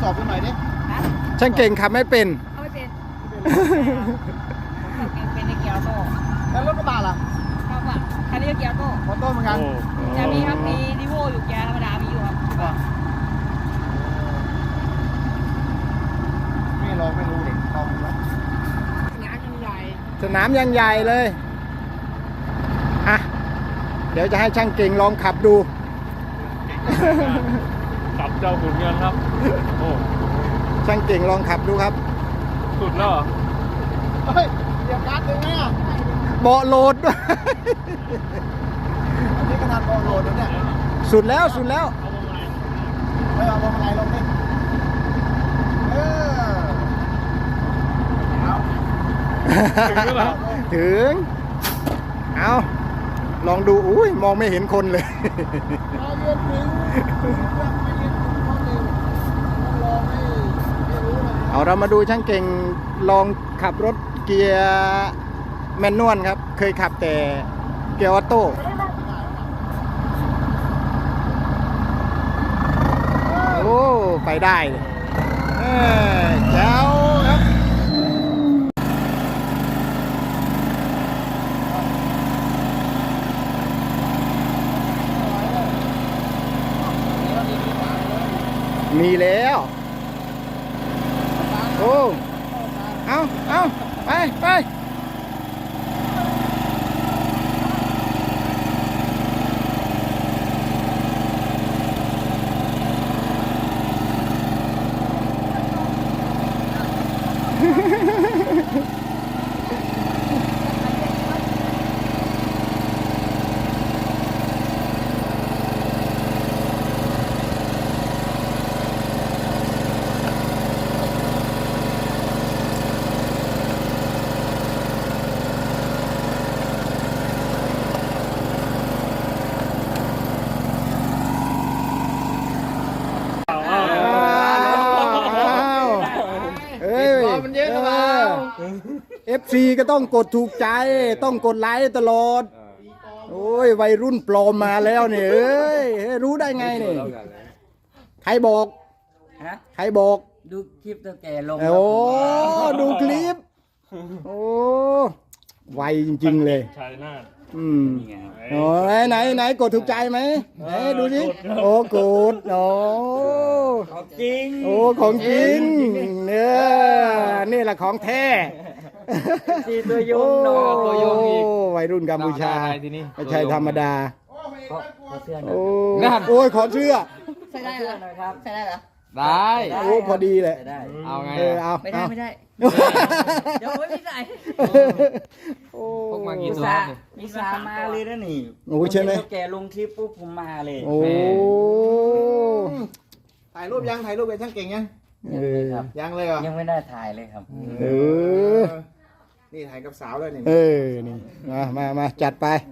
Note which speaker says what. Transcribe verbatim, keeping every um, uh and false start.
Speaker 1: สอบกันหน่อยดิ
Speaker 2: ช่างเก่งขับไม่เป็น
Speaker 3: เอาไม่เป็นขับเป็นในเกียร์โต้
Speaker 1: แล้วรถกระบะล่ะ
Speaker 3: ครับอ่ะคันนี้ก็เกียร์โต้
Speaker 1: มอเตอร์เหมือนกัน
Speaker 3: จะมีครับมีนิโวอยู่เกียร์ธรรมดามีอยู่ครับ
Speaker 1: ไม่ลองไม่รู้เด็กลองดูแล้ว
Speaker 3: งานยังใหญ่
Speaker 2: สนามยังใหญ่เลยอ่ะเดี๋ยวจะให้ช่างเก่งลองขับดู
Speaker 4: ขับเจ้าขุนเงินครับโอ้
Speaker 2: ช่างเก่งลองขับดูครับ
Speaker 4: สุดแล้วเหรอ
Speaker 1: เฮ้ยเดี๋ยวการ์ดดึงไหมอ่ะ
Speaker 2: เบาะโหลดด้วย
Speaker 1: อันนี้ขนาดบอลโหลดแล้วเนี่ย
Speaker 2: สุดแล้วสุดแล้ว
Speaker 1: เฮ้ยเอาลงอะไรลงดิเออเอา
Speaker 4: ถึงหรือเปล่า
Speaker 2: ถึงเอาลองดูอุ้ยมองไม่เห็นคนเลย
Speaker 1: เอาเรียนถึงยังไม่เรียนถึงข้อหนึ่งต้องลองให้ให้รู้เลย
Speaker 2: เอาเรามาดูช่างเก่งลองขับรถเกียร์แมนนวลครับ เคยขับแต่เกียร์ออโต้โอ้ไปได้เลยเออแจ๋วครับมีแล้วโอ้เอาเอาไปไปอ้าวเอ้ย
Speaker 1: มันเยอะหรือเปล่า
Speaker 2: เอฟซีก็ต้องกดถูกใจ ต้องกดไลค์ตลอด โอ้ย วัยรุ่นปลอมมาแล้วเนี่ยเอ้ย รู้ได้ไงเนี่ยใครบอก
Speaker 3: ฮะ
Speaker 2: ใครบอก
Speaker 3: ดูคลิปตัวแกลง
Speaker 2: โอ้ดูคลิป โอ้ไวจริงๆเลย
Speaker 4: ชัยนาท
Speaker 2: อืมโอ้ไหนไหนไหนกดถูกใจไหมไหนดูสิโอ้กดโอ้
Speaker 3: จริง
Speaker 2: โอ้ของจริงเนี่ยนี่แหละของแท้
Speaker 3: สีตัวยงเนาะ
Speaker 2: โอ้วัยรุ่นกัมพูชาไม่ใช่ธรรมดา
Speaker 3: ขอเสื้อหน่
Speaker 2: โอ้
Speaker 3: อย
Speaker 2: โอ้ยขอเชื่อ
Speaker 3: ใส่ได้เหรอครับใส่ได้เหรอ
Speaker 5: ได้
Speaker 2: โอ้พอดีเลย
Speaker 3: ใส่ได้
Speaker 5: เอาไง
Speaker 2: เออเอา
Speaker 3: ไม่ได้
Speaker 2: เอา
Speaker 3: ไม่ได้เดี๋ยวไม่ใส่
Speaker 2: โอ้
Speaker 5: พกมากี่
Speaker 3: มี
Speaker 5: ตัว
Speaker 3: ซา
Speaker 5: เนี่ย
Speaker 3: มีซามาเลยนะนี่
Speaker 2: โอ้ใช่ไหม
Speaker 3: ตัวแกลงคลิปปุ๊บผมมาเลย
Speaker 2: โอ้
Speaker 1: ถ่ายรูปยังถ่ายรูปเป็นช่างเก่งยัง
Speaker 2: เออ
Speaker 3: ครับ
Speaker 1: ยังเลยเหรอ
Speaker 3: ยังไม่ได้ถ่ายเลยครับ
Speaker 2: เออ
Speaker 1: นี่ถ่ายกับสาวเลยนี่
Speaker 2: เออนี่มามามาจัดไป